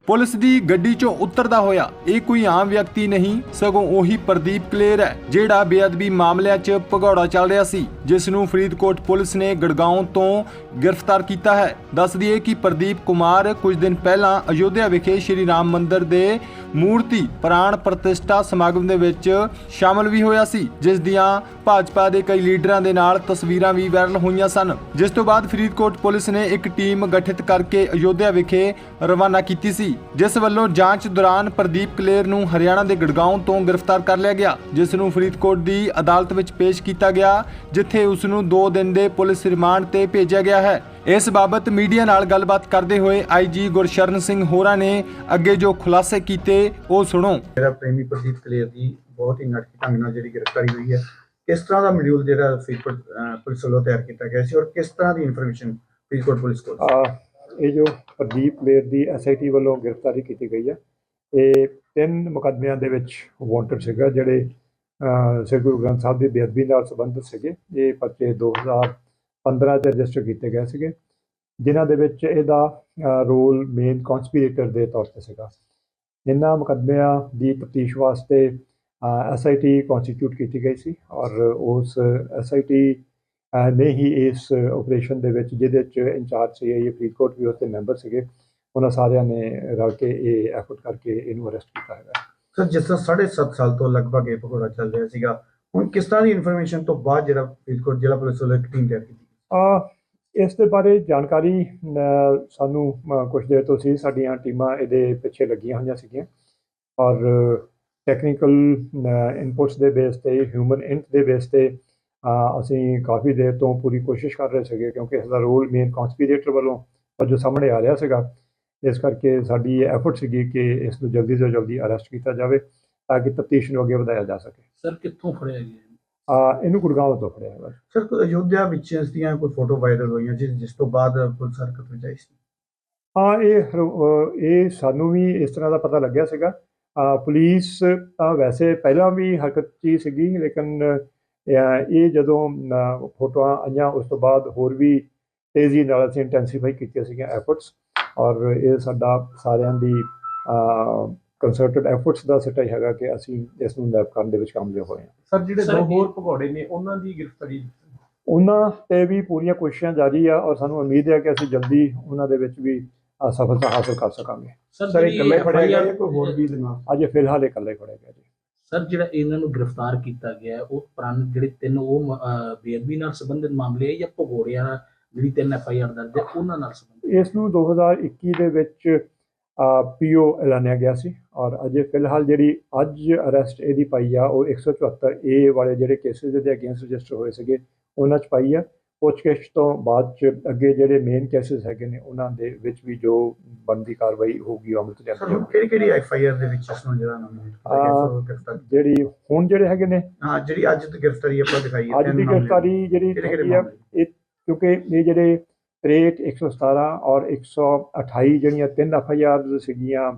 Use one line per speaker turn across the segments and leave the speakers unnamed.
Police ਦੀ ਗੱਡੀ 'ਚੋਂ ਉਤਰਦਾ ਹੋਇਆ ਇਹ ਕੋਈ ਆਮ ਵਿਅਕਤੀ ਨਹੀਂ ਸਗੋਂ ਉਹੀ ਪ੍ਰਦੀਪ ਕਲੇਰ ਹੈ ਜਿਹੜਾ ਬੇਅਦਬੀ ਮਾਮਲਿਆਂ 'ਚ ਭਗੌੜਾ ਚੱਲ ਰਿਹਾ ਸੀ, ਜਿਸ ਨੂੰ ਫਰੀਦਕੋਟ ਪੁਲਿਸ ਨੇ ਗੜਗਾਉਂ ਤੋਂ ਗ੍ਰਿਫਤਾਰ ਕੀਤਾ ਹੈ। ਦੱਸ ਦਈਏ ਕਿ ਪ੍ਰਦੀਪ ਕੁਮਾਰ ਕੁਝ ਦਿਨ ਪਹਿਲਾਂ ਅਯੋਧਿਆ ਵਿਖੇ ਸ਼੍ਰੀ ਰਾਮ ਮੰਦਿਰ ਦੇ ਮੂਰਤੀ ਪ੍ਰਾਣ ਪ੍ਰਤਿਸ਼ਠਾ ਸਮਾਗਮ ਦੇ ਵਿੱਚ ਸ਼ਾਮਲ ਵੀ ਹੋਇਆ ਸੀ, ਜਿਸ ਦੀਆਂ ਭਾਜਪਾ ਦੇ ਕਈ ਲੀਡਰਾਂ ਦੇ ਨਾਲ ਤਸਵੀਰਾਂ ਵੀ ਵਾਇਰਲ ਹੋਈਆਂ ਸਨ। ਜਿਸ ਤੋਂ ਬਾਅਦ ਫਰੀਦਕੋਟ ਪੁਲਿਸ ਨੇ ਇੱਕ ਟੀਮ ਗਠਿਤ ਕਰਕੇ ਅਯੋਧਿਆ ਵਿਖੇ ਰਵਾਨਾ ਕੀਤੀ ਸੀ, ਜਿਸ ਵੱਲੋਂ ਜਾਂਚ ਦੌਰਾਨ ਪ੍ਰਦੀਪ ਕਲੇਰ ਨੂੰ ਹਰਿਆਣਾ ਦੇ ਗੜਗਾਉਂ ਤੋਂ ਗ੍ਰਿਫਤਾਰ ਕਰ ਲਿਆ ਗਿਆ, ਜਿਸ ਨੂੰ ਫਰੀਦਕੋਟ ਦੀ ਅਦਾਲਤ ਵਿੱਚ ਪੇਸ਼ ਕੀਤਾ ਗਿਆ, ਜਿੱਥੇ ਉਸ ਨੂੰ 2 ਦਿਨ ਦੇ ਪੁਲਿਸ ਰਿਮਾਂਡ ਤੇ ਭੇਜਿਆ ਗਿਆ ਹੈ। ਇਸ ਬਾਬਤ ਮੀਡੀਆ ਨਾਲ ਗੱਲਬਾਤ ਕਰਦੇ ਹੋਏ ਆਈਜੀ ਗੁਰਸ਼ਰਨ ਸਿੰਘ ਹੋਰਾਂ ਨੇ ਅੱਗੇ ਜੋ ਖੁਲਾਸੇ ਕੀਤੇ ਉਹ ਸੁਣੋ।
ਮੇਰਾ ਪ੍ਰੇਮੀ ਪ੍ਰਦੀਪ ਕਲੇਰ ਦੀ ਬਹੁਤ ਹੀ ਨਾਟਕੀ ਢੰਗ ਨਾਲ ਜਿਹੜੀ ਗ੍ਰਿਫਤਾਰੀ ਹੋਈ ਹੈ, ਕਿਸ ਤਰ੍ਹਾਂ ਦਾ ਮੋਡਿਊਲ ਜਿਹੜਾ ਫਰੀਦਕੋਟ ਪੁਲਿਸ ਵੱਲੋਂ ਤਿਆਰ ਕੀਤਾ ਗਿਆ ਸੀ ਔਰ ਕਿਸ ਤਰ੍ਹਾਂ ਦੀ ਇਨਫੋਰਮੇਸ਼ਨ ਫਰੀਦਕੋਟ ਪੁਲਿਸ ਕੋਲ?
ਇਹ ਜੋ ਪ੍ਰਦੀਪ ਕਲੇਰ ਦੀ ਐਸਆਈਟੀ ਵੱਲੋਂ ਗ੍ਰਿਫਤਾਰੀ ਕੀਤੀ ਗਈ ਹੈ, ਇਹ 3 ਮੁਕੱਦਮਿਆਂ ਦੇ ਵਿੱਚ ਵਾਂਟਡ ਸੀਗਾ, ਜਿਹੜੇ ਸ੍ਰੀ ਗੁਰੂ ਗ੍ਰੰਥ ਸਾਹਿਬ ਦੀ ਬੇਅਦਬੀ ਨਾਲ ਸੰਬੰਧਿਤ ਸੀਗੇ। ਇਹ ਪਰਚੇ 2015 'ਚ ਰਜਿਸਟਰ ਕੀਤੇ ਗਏ ਸੀਗੇ, ਜਿਨ੍ਹਾਂ ਦੇ ਵਿੱਚ ਇਹਦਾ ਰੋਲ ਮੇਨ ਕੌਂਸਪੀਰੇਟਰ ਦੇ ਤੌਰ 'ਤੇ ਸੀਗਾ। ਇਹਨਾਂ ਮੁਕੱਦਮਿਆਂ ਦੀ ਤਫਤੀਸ਼ ਵਾਸਤੇ ਐਸਆਈਟੀ ਕੌਂਸਟੀਟਿਊਟ ਕੀਤੀ ਗਈ ਸੀ ਔਰ ਉਸ ਐਸਆਈਟੀ ਨੇ ਹੀ ਇਸ ਆਪਰੇਸ਼ਨ ਦੇ ਵਿੱਚ, ਜਿਹਦੇ 'ਚ ਇੰਚਾਰਜ ਸੀ ਇਹ ਫਰੀਦਕੋਟ ਵੀ ਉੱਥੇ ਮੈਂਬਰ ਸੀਗੇ, ਉਹਨਾਂ ਸਾਰਿਆਂ ਨੇ ਰਲ ਕੇ ਇਹ ਐਫਰਟ ਕਰਕੇ ਇਹਨੂੰ ਅਰੈਸਟ ਕੀਤਾ ਹੈਗਾ।
ਸਰ, ਜਿਸ ਤਰ੍ਹਾਂ 7.5 ਸਾਲ ਤੋਂ ਲਗਭਗ ਇਹ ਭਗੌੜਾ ਚੱਲ ਰਿਹਾ ਸੀਗਾ, ਹੁਣ ਕਿਸ ਤਰ੍ਹਾਂ ਦੀ ਇਨਫੋਰਮੇਸ਼ਨ ਤੋਂ ਬਾਅਦ ਜਿਹੜਾ ਫਰੀਦਕੋਟ ਜ਼ਿਲ੍ਹਾ ਪੁਲਿਸ ਵੱਲੋਂ ਇੱਕ ਟੀਮ ਤਿਆਰ ਕੀਤੀ?
ਇਸ ਦੇ ਬਾਰੇ ਜਾਣਕਾਰੀ ਸਾਨੂੰ ਕੁਝ ਦੇਰ ਤੋਂ ਸੀ, ਸਾਡੀਆਂ ਟੀਮਾਂ ਇਹਦੇ ਪਿੱਛੇ ਲੱਗੀਆਂ ਹੋਈਆਂ ਸੀਗੀਆਂ ਔਰ ਟੈਕਨੀਕਲ ਇਨਪੁਟਸ ਦੇ ਬੇਸ ਤੇ, ਹਿਊਮਨ ਇੰਟ ਦੇ ਬੇਸ ਤੇ ਅਸੀਂ ਕਾਫੀ ਦੇਰ ਤੋਂ ਪੂਰੀ ਕੋਸ਼ਿਸ਼ ਕਰ ਰਹੇ ਸੀਗੇ, ਕਿਉਂਕਿ ਇਸ ਦਾ ਰੋਲ ਮੇਨ ਕੌਂਸਪੀਰੇਟਰ ਵੱਲੋਂ ਜੋ ਸਾਹਮਣੇ ਆ ਰਿਹਾ ਸੀਗਾ। ਇਸ ਕਰਕੇ ਸਾਡੀ ਇਹ ਐਫਰਟ ਸੀਗੀ ਕਿ ਇਸ ਨੂੰ ਜਲਦੀ ਤੋਂ ਜਲਦੀ ਅਰੈਸਟ ਕੀਤਾ ਜਾਵੇ ਤਾਂ ਕਿ ਤਫਤੀਸ਼ ਨੂੰ ਅੱਗੇ ਵਧਾਇਆ ਜਾ ਸਕੇ।
ਸਰ, ਕਿੱਥੋਂ ਫੜਿਆ ਗਿਆ?
ਇਹਨੂੰ ਗੁੜਗਾਉਂ ਤੋਂ ਫੜਿਆ ਹੈ।
ਸਰ, ਅਯੋਧਿਆ ਵਿੱਚ ਇਸ ਦੀਆਂ ਕੋਈ ਫੋਟੋ ਵਾਇਰਲ ਹੋਈਆਂ ਜਿਸ ਤੋਂ ਬਾਅਦ ਪੁਲਿਸ ਹਰਕਤ ਵਿੱਚ ਆਈ ਸੀ?
ਇਹ ਸਾਨੂੰ ਵੀ ਇਸ ਤਰ੍ਹਾਂ ਦਾ ਪਤਾ ਲੱਗਿਆ ਸੀਗਾ। ਪੁਲਿਸ ਤਾਂ ਵੈਸੇ ਪਹਿਲਾਂ ਵੀ ਹਰਕਤ 'ਚ ਹੀ ਸੀਗੀ, ਲੇਕਿਨ ਇਹ ਜਦੋਂ ਫੋਟੋਆਂ ਆਈਆਂ ਉਸ ਤੋਂ ਬਾਅਦ ਹੋਰ ਵੀ ਤੇਜ਼ੀ ਨਾਲ ਅਸੀਂ ਇੰਟੈਂਸੀਫਾਈ ਕੀਤੀਆਂ ਸੀਗੀਆਂ ਐਫਰਟਸ, ਔਰ ਇਹ ਸਾਡਾ ਸਾਰਿਆਂ ਦੀ ਕੰਸਰਟਡ ਐਫਰਟਸ ਦਾ ਸਿੱਟਾ ਹੀ ਹੈਗਾ ਕਿ ਅਸੀਂ ਇਸ ਨੂੰ ਨੈਪ ਕਰਨ ਦੇ ਵਿੱਚ ਕਾਮਯਾਬ ਹੋਏ ਹਾਂ।
ਸਰ, ਜਿਹੜੇ 2 ਹੋਰ ਭਗੌੜੇ ਨੇ ਉਹਨਾਂ ਦੀ ਗ੍ਰਿਫਤਾਰੀ?
ਉਹਨਾਂ 'ਤੇ ਵੀ ਪੂਰੀਆਂ ਕੋਸ਼ਿਸ਼ਾਂ ਜਾਰੀ ਆ ਔਰ ਸਾਨੂੰ ਉਮੀਦ ਹੈ ਕਿ ਅਸੀਂ ਜਲਦੀ ਉਹਨਾਂ ਦੇ ਵਿੱਚ ਵੀ ਸਫਲਤਾ ਹਾਸਲ ਕਰ ਸਕਾਂਗੇ।
ਸਰ, ਇਕੱਲੇ ਫੜਿਆ ਗਿਆ ਜਾਂ ਕੋਈ ਹੋਰ ਵੀ ਦੇ ਨਾਲ?
ਅਜੇ ਫਿਲਹਾਲ ਇਕੱਲੇ ਫੜਿਆ ਗਿਆ ਜੀ।
ਸਰ, ਜਿਹੜਾ ਇਹਨਾਂ ਨੂੰ ਗ੍ਰਿਫਤਾਰ ਕੀਤਾ ਗਿਆ ਉਹ ਪੁਰਾਣੇ ਜਿਹੜੇ 3 ਉਹ ਬੇਅਦਬੀ ਨਾਲ ਸੰਬੰਧਿਤ ਮਾਮਲੇ ਜਾਂ ਭਗੌੜਿਆਂ ਨਾਲ ਜਿਹੜੀ 3 FIR ਦਰਜ ਹੈ ਉਹਨਾਂ ਨਾਲ ਸੰਬੰਧਿਤ?
ਇਸ ਨੂੰ 2021 ਦੇ ਵਿੱਚ ਪੀਓ ਐਲਾਨਿਆ ਗਿਆ ਸੀ ਔਰ ਅਜੇ ਫਿਲਹਾਲ ਜਿਹੜੀ ਅੱਜ ਅਰੈਸਟ ਇਹਦੀ ਪਾਈ ਆ ਉਹ 174A ਵਾਲੇ ਜਿਹੜੇ ਕੇਸਿਸ ਦੇ ਅਗੇਂਸਟ ਰਜਿਸਟਰ ਹੋਏ ਸੀਗੇ ਉਹਨਾਂ 'ਚ ਪਾਈ ਆ। ਪੁੱਛਗਿੱਛ ਤੋਂ ਬਾਅਦ 'ਚ ਅੱਗੇ ਜਿਹੜੇ ਮੇਨ ਕੇਸਿਸ ਹੈਗੇ ਨੇ ਉਹਨਾਂ ਦੇ ਵਿੱਚ ਵੀ ਜੋ ਬਣਦੀ ਕਾਰਵਾਈ ਹੋਊਗੀ ਅਮਲ 'ਚ ਲਿਆਂਦੀ ਜਾਊਗੀ।
ਕਿਹੜੀ FIR ਦੇ ਵਿੱਚ ਇਸ ਨੂੰ ਜਿਹੜਾ
ਜਿਹੜੀ ਹੁਣ ਜਿਹੜੇ ਹੈਗੇ ਨੇ,
ਜਿਹੜੀ ਅੱਜ ਦੀ ਗ੍ਰਿਫਤਾਰੀ ਆਪਾਂ ਦਿਖਾਈ ਹੈ,
ਅੱਜ ਦੀ ਗ੍ਰਿਫਤਾਰੀ ਜਿਹੜੀ ਹੈਗੀ ਆ, ਇਹ ਕਿਉਂਕਿ ਇਹ ਜਿਹੜੇ 63, 117 ਔਰ 128 ਜਿਹੜੀਆਂ 3 FIR ਸੀਗੀਆਂ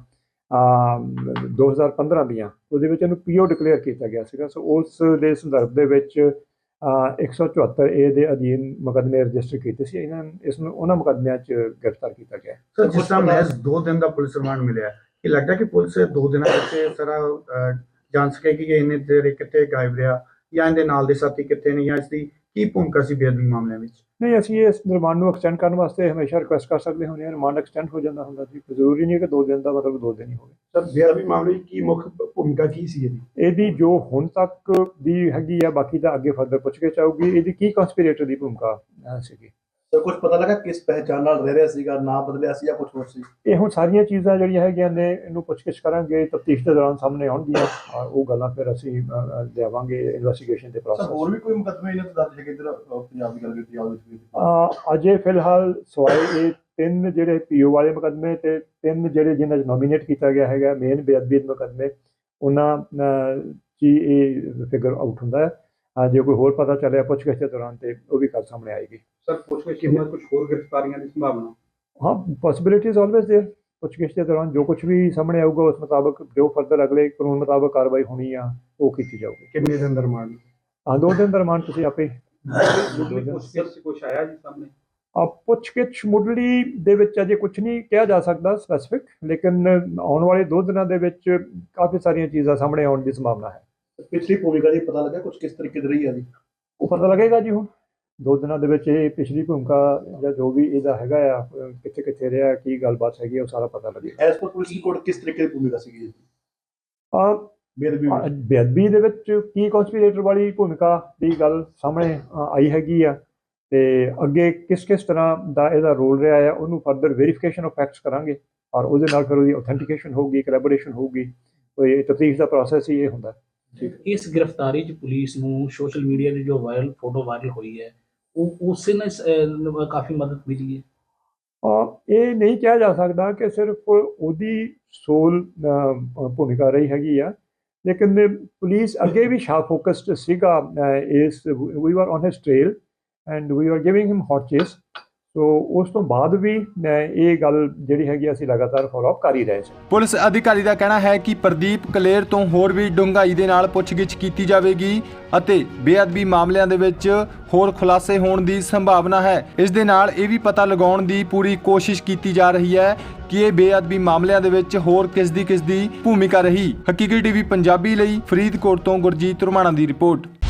2015 ਦੀਆਂ, ਉਹਦੇ ਵਿੱਚ ਇਹਨੂੰ ਪੀਓ ਡਿਕਲੇਅਰ ਕੀਤਾ ਗਿਆ ਸੀਗਾ। ਸੋ ਉਸ ਦੇ ਸੰਦਰਭ ਦੇ ਵਿੱਚ 174A ਦੇ ਅਧੀਨ ਮੁਕੱਦਮੇ ਰਜਿਸਟਰ ਕੀਤੇ ਸੀ। ਇਸ ਨੂੰ ਉਹਨਾਂ ਮੁਕੱਦਮਿਆਂ 'ਚ ਗ੍ਰਿਫਤਾਰ ਕੀਤਾ ਗਿਆ।
ਸਰ, ਜਿਸ ਤਰ੍ਹਾਂ ਮਹਿਜ਼ 2 ਦਿਨ ਦਾ ਪੁਲਿਸ ਰਿਮਾਂਡ ਮਿਲਿਆ, ਇਹ ਲੱਗਦਾ ਕਿ ਪੁਲਿਸ 2 ਦਿਨਾਂ ਵਿੱਚ ਸਾਰਾ ਜਾਣ ਸਕੇਗੀ ਕਿ ਇਹਨੇ ਦੇਰ ਕਿੱਥੇ ਗਾਇਬ ਰਿਹਾ ਜਾਂ ਇਹਦੇ ਨਾਲ ਦੇ ਸਾਥੀ ਕਿੱਥੇ ਨੇ, ਜਾਂ ਇਸ ਦੀ ਕੀ ਭੂਮਿਕਾ ਸੀ ਬੇਅਦਬੀ ਮਾਮਲਿਆਂ ਵਿੱਚ?
ਨਹੀਂ, ਅਸੀਂ ਇਸ ਰਿਮਾਂਡ ਨੂੰ ਐਕਸਟੈਂਡ ਕਰਨ ਵਾਸਤੇ ਹਮੇਸ਼ਾ ਰਿਕੁਐਸਟ ਕਰ ਸਕਦੇ ਹੁੰਦੇ ਹਾਂ। ਰਿਮਾਂਡ ਐਕਸਟੈਂਡ ਹੋ ਜਾਂਦਾ ਹੁੰਦਾ ਜੀ, ਜ਼ਰੂਰੀ ਨਹੀਂ ਕਿ 2 ਦਿਨ ਦਾ ਮਤਲਬ 2 ਦਿਨ ਹੀ ਹੋਵੇ।
ਸਰ, ਬੇਅਦਬੀ ਮਾਮਲੇ ਕੀ ਮੁੱਖ ਭੂਮਿਕਾ ਕੀ ਸੀ
ਇਹਦੀ ਜੋ ਹੁਣ ਤੱਕ ਦੀ ਹੈਗੀ ਆ, ਬਾਕੀ ਤਾਂ ਅੱਗੇ ਫਰਦਰ ਪੁੱਛਗਿੱਛ ਆਊਗੀ। ਇਹਦੀ ਕੀ ਕੰਸਪੀਰੇਟਰ ਦੀ ਭੂਮਿਕਾ ਸੀਗੀ?
ਸਰ, ਕੁਝ ਪਤਾ ਲੱਗਾ ਕਿਸ ਪਹਿਚਾਣ ਨਾਲ ਰਹਿ ਰਿਹਾ ਸੀਗਾ, ਨਾਂ ਬਦਲਿਆ ਸੀ ਜਾਂ ਕੁਝ ਹੋਰ ਸੀ?
ਇਹ ਹੁਣ ਸਾਰੀਆਂ ਚੀਜ਼ਾਂ ਜਿਹੜੀਆਂ ਹੈਗੀਆਂ ਨੇ ਇਹਨੂੰ ਪੁੱਛਗਿੱਛ ਕਰਾਂਗੇ, ਤਫਤੀਸ਼ ਦੇ ਦੌਰਾਨ ਸਾਹਮਣੇ ਆਉਣਗੀਆਂ ਔਰ ਉਹ ਗੱਲਾਂ ਫਿਰ ਅਸੀਂ ਲਿਆਵਾਂਗੇ ਇਨਵੈਸਟੀਗੇਸ਼ਨ ਦੇ ਪ੍ਰੋਸੈਸ।
ਹੋਰ ਵੀ ਕੋਈ ਮੁਕੱਦਮੇ ਇਹਨਾਂ ਤੇ ਦਰਜ ਹੈਗੇ ਇੱਧਰ ਪੰਜਾਬ ਦੀ ਗੱਲ ਕੀਤੀ ਜਾਵੇ?
ਅਜੇ ਫਿਲਹਾਲ ਸਵਾਏ ਇਹ 3 ਜਿਹੜੇ ਪੀਓ ਵਾਲੇ ਮੁਕੱਦਮੇ ਤੇ 3 ਜਿਹੜੇ ਜਿਨ੍ਹਾਂ 'ਚ ਨੋਮੀਨੇਟ ਕੀਤਾ ਗਿਆ ਹੈਗਾ ਮੇਨ ਬੇਅਦਬੀ ਮੁਕੱਦਮੇ, ਉਹਨਾਂ 'ਚ ਇਹ ਫਿਗਰ ਆਊਟ ਹੁੰਦਾ ਹੈ। ਜੇ ਕੋਈ ਹੋਰ ਪਤਾ ਚੱਲਿਆ ਪੁੱਛਗਿੱਛ ਦੇ ਦੌਰਾਨ ਤੇ ਉਹ ਵੀ ਗੱਲ ਸਾਹਮਣੇ ਆਏਗੀ।
ਸਰ, ਪੁੱਛਗਿੱਛ ਕਿੰਨਾ ਕੁਝ ਹੋਰ ਗ੍ਰਿਫਤਾਰੀਆਂ ਦੀ ਸੰਭਾਵਨਾ?
ਹਾਂ, ਪੋਸੀਬਿਲਿਟੀਜ਼ ਆਲਵੇਜ਼ ਦੇਅਰ। ਪੁੱਛਗਿੱਛ ਦੇ ਦੌਰਾਨ ਜੋ ਕੁਝ ਵੀ ਸਾਹਮਣੇ ਆਊਗਾ ਉਸ ਮੁਤਾਬਕ ਜੋ ਫਰਦਰ ਅਗਲੇ ਕਾਨੂੰਨ ਮੁਤਾਬਕ ਕਾਰਵਾਈ ਹੋਣੀ ਆ ਉਹ ਕੀਤੀ ਜਾਊਗੀ।
ਕਿੰਨੇ ਦਿਨ ਦਾ ਰਿਮਾਂਡ?
2 ਦਿਨ ਦਾ ਰਿਮਾਂਡ ਤੁਸੀਂ ਆਪੇ
ਪੁੱਛਗਿੱਛ ਕੁਝ ਆਇਆ ਜੀ ਸਾਹਮਣੇ?
ਪੁੱਛਗਿੱਛ ਮੁੱਢਲੀ ਦੇ ਵਿੱਚ ਅਜੇ ਕੁਝ ਨਹੀਂ ਕਿਹਾ ਜਾ ਸਕਦਾ ਸਪੈਸੀਫਿਕ, ਲੇਕਿਨ ਆਉਣ ਵਾਲੇ 2 ਦਿਨਾਂ ਦੇ ਵਿੱਚ ਕਾਫੀ ਸਾਰੀਆਂ ਚੀਜ਼ਾਂ ਸਾਹਮਣੇ ਆਉਣ ਦੀ ਸੰਭਾਵਨਾ ਹੈ।
ਪਿਛਲੀ ਭੂਮਿਕਾ ਦੀ ਪਤਾ ਲੱਗਾ ਕੁਝ ਕਿਸ ਤਰੀਕੇ ਦੀ ਰਹੀ ਹੈ ਜੀ?
ਉਹ ਪਤਾ ਲੱਗੇਗਾ ਜੀ ਹੁਣ 2 ਦਿਨਾਂ ਦੇ ਵਿੱਚ। ਇਹ ਪਿਛਲੀ ਭੂਮਿਕਾ ਜਾਂ ਜੋ ਵੀ ਇਹਦਾ ਹੈਗਾ ਆ, ਕਿੱਥੇ ਕਿੱਥੇ ਰਿਹਾ, ਕੀ ਗੱਲਬਾਤ ਹੈਗੀ, ਉਹ ਸਾਰਾ ਪਤਾ ਲੱਗੇਗਾ।
ਐਸ ਪਰ ਪੁਲਿਸ ਰਿਪੋਰਟ ਕਿਸ ਤਰੀਕੇ ਦੀ ਭੂਮਿਕਾ ਸੀਗੀ ਜੀ? ਬੇਅਦਬੀ ਵਿੱਚ?
ਬੇਅਦਬੀ ਦੇ ਵਿੱਚ ਕੀ ਕਨਸਪੀਰੇਟਰ ਵਾਲੀ ਭੂਮਿਕਾ ਦੀ ਗੱਲ ਸਾਹਮਣੇ ਆਈ ਹੈਗੀ ਆ, ਤੇ ਅੱਗੇ ਕਿਸ ਕਿਸ ਤਰ੍ਹਾਂ ਦਾ ਇਹਦਾ ਰੋਲ ਰਿਹਾ ਹੈ ਉਹਨੂੰ ਫਰਦਰ ਵੈਰੀਫਿਕੇਸ਼ਨ ਆਫ ਫੈਕਟਸ ਕਰਾਂਗੇ, ਔਰ ਉਹਦੇ ਨਾਲ ਫਿਰ ਉਹਦੀ ਆਥੈਂਟੀਕੇਸ਼ਨ ਹੋਊਗੀ, ਕੋਲੈਬੋਰੇਸ਼ਨ ਹੋਊਗੀ। ਕੋਈ ਤਫਤੀਸ਼ ਦਾ ਪ੍ਰੋਸੈਸ ਹੀ ਇਹ ਹੁੰਦਾ।
ਇਸ ਗ੍ਰਿਫਤਾਰੀ 'ਚ ਪੁਲਿਸ ਨੂੰ ਸੋਸ਼ਲ ਮੀਡੀਆ 'ਤੇ ਜੋ ਫੋਟੋ ਵਾਇਰਲ ਹੋਈ ਹੈ ਉਹ ਉਸੇ ਨਾਲ ਕਾਫੀ ਮਦਦ ਮਿਲੀ ਹੈ।
ਇਹ ਨਹੀਂ ਕਿਹਾ ਜਾ ਸਕਦਾ ਕਿ ਸਿਰਫ ਉਹਦੀ ਸੋਲ ਭੂਮਿਕਾ ਰਹੀ ਹੈਗੀ ਆ, ਲੇਕਿਨ ਪੁਲਿਸ ਅੱਗੇ ਵੀ ਸ਼ਾਰਪ ਫੋਕਸਡ ਸੀਗਾ ਇਸ। We are on his trail and we are giving him hot chase. So ਉਸ ਤੋਂ ਬਾਅਦ ਵੀ ਇਹ ਗੱਲ ਜਿਹੜੀ ਹੈਗੀ ਅਸੀਂ ਲਗਾਤਾਰ ਫੋਲੋ ਅਪ ਕਰ ਹੀ ਰਹੇ ਸੀ।
ਪੁਲਿਸ ਅਧਿਕਾਰੀ ਦਾ ਕਹਿਣਾ ਹੈ ਕਿ ਪ੍ਰਦੀਪ ਕਲੇਰ ਤੋਂ ਹੋਰ ਵੀ ਡੂੰਘਾਈ ਦੇ ਨਾਲ ਪੁੱਛਗਿੱਛ ਕੀਤੀ ਜਾਵੇਗੀ ਅਤੇ ਬੇਅਦਬੀ ਮਾਮਲਿਆਂ ਦੇ ਵਿੱਚ ਹੋਰ ਖੁਲਾਸੇ ਹੋਣ ਦੀ ਸੰਭਾਵਨਾ ਹੈ। ਇਸ ਦੇ ਨਾਲ ਇਹ ਵੀ ਪਤਾ ਲਗਾਉਣ ਦੀ ਪੂਰੀ ਕੋਸ਼ਿਸ਼ ਕੀਤੀ ਜਾ ਰਹੀ ਹੈ ਕਿ ਇਹ ਬੇਅਦਬੀ ਮਾਮਲਿਆਂ ਦੇ ਵਿੱਚ ਹੋਰ ਕਿਸ ਦੀ ਭੂਮਿਕਾ ਰਹੀ। ਹਕੀਕੀ ਟੀਵੀ ਪੰਜਾਬੀ ਲਈ ਫਰੀਦਕੋਟ ਤੋਂ ਗੁਰਜੀਤ ਰੁਮਾਣਾ ਦੀ ਰਿਪੋਰਟ।